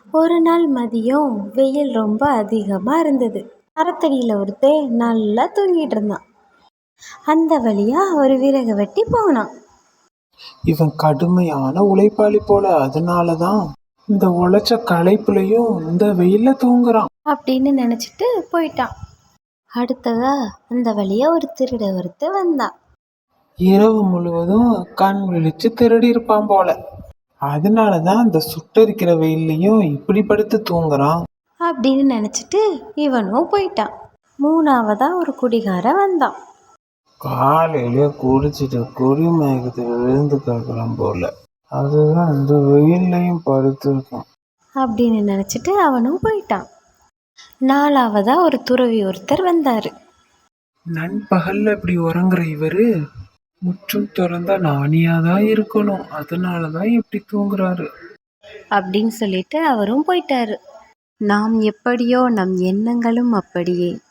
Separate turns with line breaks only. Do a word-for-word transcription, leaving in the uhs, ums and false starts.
ஒரு நாள் மதியம் வெயில் ரொம்ப அதிகமாக இருந்தது. மரத்தடியில் ஒருத்தன் நல்லா தூங்கிட்டு இருந்தான். அந்த வழியா ஒரு விறகு வெட்டி போனான்.
இவன் கடுமையான உழைப்பாளி போல, அதனாலதான் இந்த உழைச்ச களைப்புலையும் இந்த வெயில்ல தூங்குறான்
அப்படின்னு நினைச்சிட்டு போயிட்டான். அடுத்ததா அந்த வழியா ஒரு திருட ஒருத்தன் வந்தான்.
இரவு முழுவதும் கண் விழிச்சு திருடி இருப்பான் போல, அதனாலதான் இந்த சுட்டரிக்கிற வெயில்லையும் இப்படி படுத்து தூங்குறான்
அப்படின்னு நினைச்சிட்டு இவனும் போயிட்டான். மூணாவதா ஒரு குடிகாரன் வந்தான்.
காலையில குடிச்சிட்டு குடிமயக்கத்துல விழுந்து கிடக்குறான் போல, அதுதான் இந்த வெயில்லையும் படுத்திருக்கான்
அப்படின்னு நினைச்சிட்டு அவனும் போயிட்டான். நாலாவதா ஒரு துறவி ஒருத்தர் வந்தாரு.
நண்பகல்ல இப்படி உறங்குற இவரு முற்றும் திறந்தா நாணியாதான் இருக்கணும், அதனாலதான் இப்படி தூங்குறாரு
அப்படின்னு சொல்லிட்டு அவரும் போயிட்டாரு. நாம் எப்படியோ நம் எண்ணங்களும் அப்படியே.